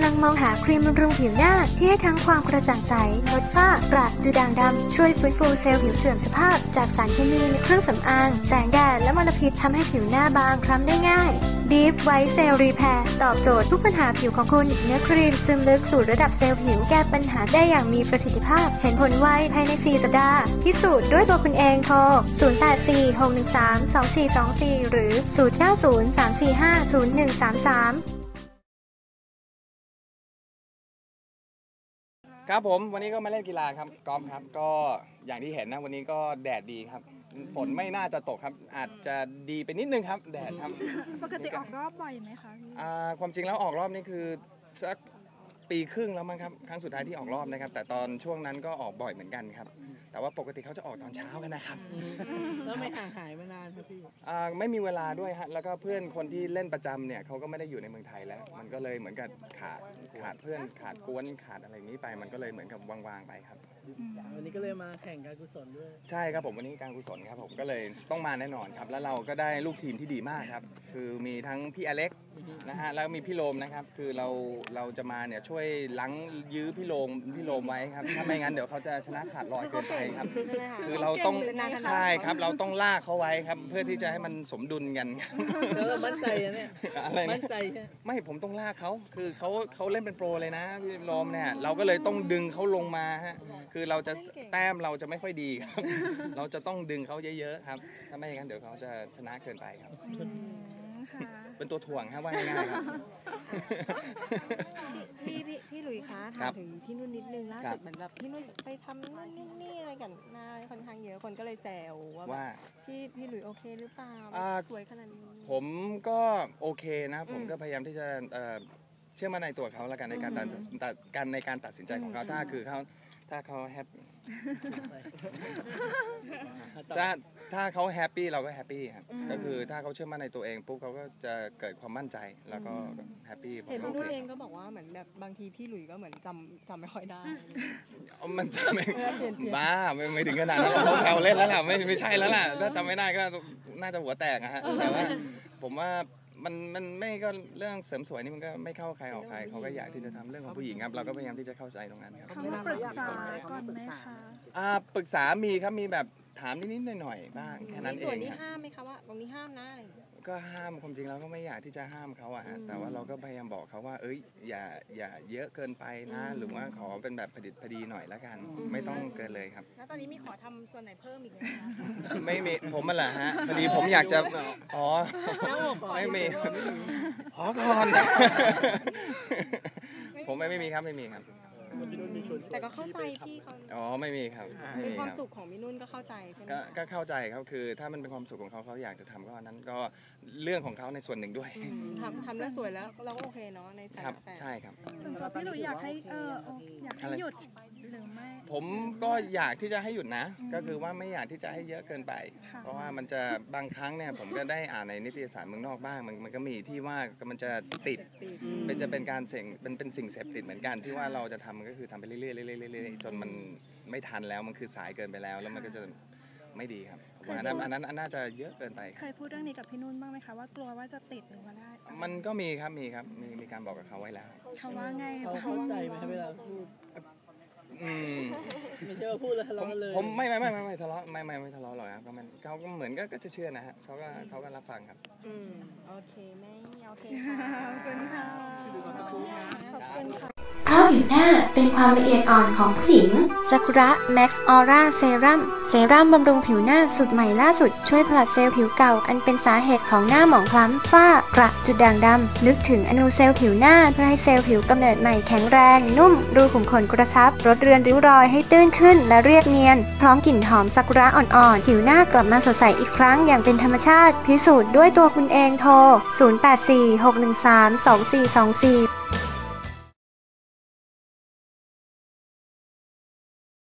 งมองหาครีมบำรุงผิวหน้าที่ให้ทั้งความกระจ่างใสลดฝ้ากระจุดด่างดำช่วยฟื้นฟูเซลล์ผิวเสื่อมสภาพจากสารเคมีในเครื่องสำอางแสงแดดและมลพิษทำให้ผิวหน้าบางคล้ำได้ง่าย Deep White Cell Repair ตอบโจทย์ทุกปัญหาผิวของคุณเนื้อครีมซึมลึกสู่ระดับเซลล์ผิวแก้ปัญหาได้อย่างมีประสิทธิภาพเห็นผลไวภายใน4 สัปดาห์พิสูจน์ด้วยตัวคุณเองโทร0846132424หรือ0903450133 ครับผมวันนี้ก็มาเล่นกีฬาครับกอล์ฟครับก็อย่างที่เห็นนะวันนี้ก็แดดดีครับฝนไม่น่าจะตกครับอาจจะดีไปนิดนึงครับแดดครับปกติออกรอบบ่อยไหมคะพี่ความจริงแล้วออกรอบนี่คือสักปีครึ่งแล้วมั้งครับครั้งสุดท้ายที่ออกรอบนะครับแต่ตอนช่วงนั้นก็ออกบ่อยเหมือนกันครับแต่ว่าปกติเขาจะออกตอนเช้ากันนะครับแล้วไม่ห่างหายมานานครับพี่ไม่มีเวลาด้วยฮะแล้วก็เพื่อนคนที่เล่นประจำเนี่ยเขาก็ไม่ได้อยู่ในเมืองไทยแล้วมันก็เลยเหมือนกับขาดเพื่อนขาดกวนขาดอะไรนี้ไปมันก็เลยเหมือนกับวางๆไปครับวันนี้ก็เลยมาแข่งการกุศลด้วยใช่ครับผมวันนี้การกุศลครับผมก็เลยต้องมาแน่นอนครับแล้วเราก็ได้ลูกทีมที่ดีมากครับคือมีทั้งพี่อเล็กนะฮะแล้วมีพี่โรมนะครับคือเราจะมาเนี่ยช่วยล้างยื้อพี่โรมไว้ครับถ้าไม่งั้นเดี๋ยวเขาจะชนะขาดลอยเกินไปครับคือเราต้องใช่ครับเราต้องลากเขาไว้ครับเพื่อที่จะให้มันสมดุลกันแล้วเรามั่นใจเนี่ยอะไรมั่นใจไม่ผมต้องลากเขาคือเขาเล่นเป็นโปรเลยนะพี่โรมเนี่ยเราก็เลยต้องดึงเขาลงมาฮะคือเราจะแต้มเราจะไม่ค่อยดีครับเราจะต้องดึงเขาเยอะๆครับถ้าไม่อย่างนั้นเดี๋ยวเขาจะชนะเกินไปครับเป็นตัวถ่วงครับว่าง่ายๆครับพี่หลุยส์คะถามถึงพี่นุ่นนิดนึงล่าสุดเหมือนแบบพี่นุ่นไปทำนั่นนี่อะไรกันหน้าค่อนข้างเยอะคนก็เลยแซวว่าพี่หลุยส์โอเคหรือเปล่าสวยขนาดนี้ผมก็โอเคนะผมก็พยายามที่จะเชื่อมั่นในตัวเขาแล้วกันในการตัดสินใจของเขาถ้าเขาแฮปปี้ถ้าเขาแฮปปี้เราก็แฮปปี้ครับก็คือถ้าเขาเชื่อมั่นในตัวเองปุ๊บเขาก็จะเกิดความมั่นใจแล้วก็แฮปปี้เห็นพี่นุ่นเองก็บอกว่าเหมือนแบบบางทีพี่หลุยส์ก็เหมือนจำไม่ค่อยได้มันจำไม่บ้าไม่ถึงขนาดนั้นเขาแซวเล่นแล้วล่ะไม่ใช่แล้วล่ะถ้าจำไม่ได้ก็น่าจะหัวแตกนะฮะแต่ว่าผมว่ามันไม่ก็เรื่องเสริมสวยนี่มันก็ไม่เข้าใครออกใครเขาก็อยากที่จะทำเรื่องของผู้หญิงครับเราก็พยายามที่จะเข้าใจตรงนั้นครับเขามาปรึกษาก่อนไหมคะปรึกษามีครับมีแบบถามนิดๆหน่อยๆบ้างแค่นั้นเองส่วนที่ห้ามไหมคะว่าตรงนี้ห้ามนะก็ห้ามความจริงเราก็ไม่อยากที่จะห้ามเขาอะฮะแต่ว่าเราก็พยายามบอกเขาว่าอย่าเยอะเกินไปนะหรือว่าขอเป็นแบบพอดีหน่อยละกันไม่ต้องเกินเลยครับแล้วตอนนี้มีขอทำส่วนไหนเพิ่มอีกไหมคะไม่มีผมมันแหละฮะพอดีผมอยากจะไม่มีขอก่อนผมไม่มีครับแต่ก็เข้าใจพี่เขาไม่มีครับเป็นความสุขของพี่นุ่นก็เข้าใจใช่ไหมก็เข้าใจครับคือถ้ามันเป็นความสุขของเขาอยากจะทำก็อันนั้นก็เรื่องของเขาในส่วนหนึ่งด้วยทำแล้วสวยแล้วเราก็โอเคเนาะในฐานะแฟนใช่ครับส่วนตัวพี่หลุยอยากให้หยุดหรือไม่ผมก็อยากที่จะให้หยุดนะก็คือว่าไม่อยากที่จะให้เยอะเกินไปเพราะว่ามันจะบางครั้งเนี่ยผมก็ได้อ่านในนิตยสารเมืองนอกบ้างมันก็มีที่ว่ามันจะติดจะเป็นการเป็นสิ่งเสพติดเหมือนกันที่ว่าเราจะทำก็คือทำไปเรื่อยๆจนมันไม่ทันแล้วมันคือสายเกินไปแล้วมันก็จะไม่ดีครับอันนั้นน่าจะเยอะเกินไปเคยพูดเรื่องนี้กับพี่นุ่นบ้างไหมคะว่ากลัวว่าจะติดหรือว่าได้มันก็มีครับมีการบอกกับเขาไว้แล้วเขาว่าไงเขาเข้าใจไหมเวลาพูดไม่ใช่ว่าพูดแล้วทะเลาะเลยผมไม่ทะเลาะไม่ทะเลาะหรอกครับเขาก็เหมือนก็จะเชื่อนะฮะเขาก็รับฟังครับโอเคไม่โอเคขอบคุณค่ะขอบคุณค่ะเพราะผิวหน้าเป็นความละเอียดอ่อนของผู้หญิงซากุระแม็กซ์ออร่าเซรั่มบำรุงผิวหน้าสูตรใหม่ล่าสุดช่วยผลัดเซลล์ผิวเก่าอันเป็นสาเหตุของหน้าหมองคล้ำฝ้ากระจุดด่างดำนึกถึงอนูเซลล์ผิวหน้าเพื่อให้เซลล์ผิวกำเนิดใหม่แข็งแรงนุ่มรูขุมขนกระชับลดเรือนริ้วรอยให้ตื้นขึ้นและเรียบเนียนพร้อมกลิ่นหอมซากุระอ่อนๆผิวหน้ากลับมาสดใสอีกครั้งอย่างเป็นธรรมชาติพิสูจน์ด้วยตัวคุณเองโทร0846132424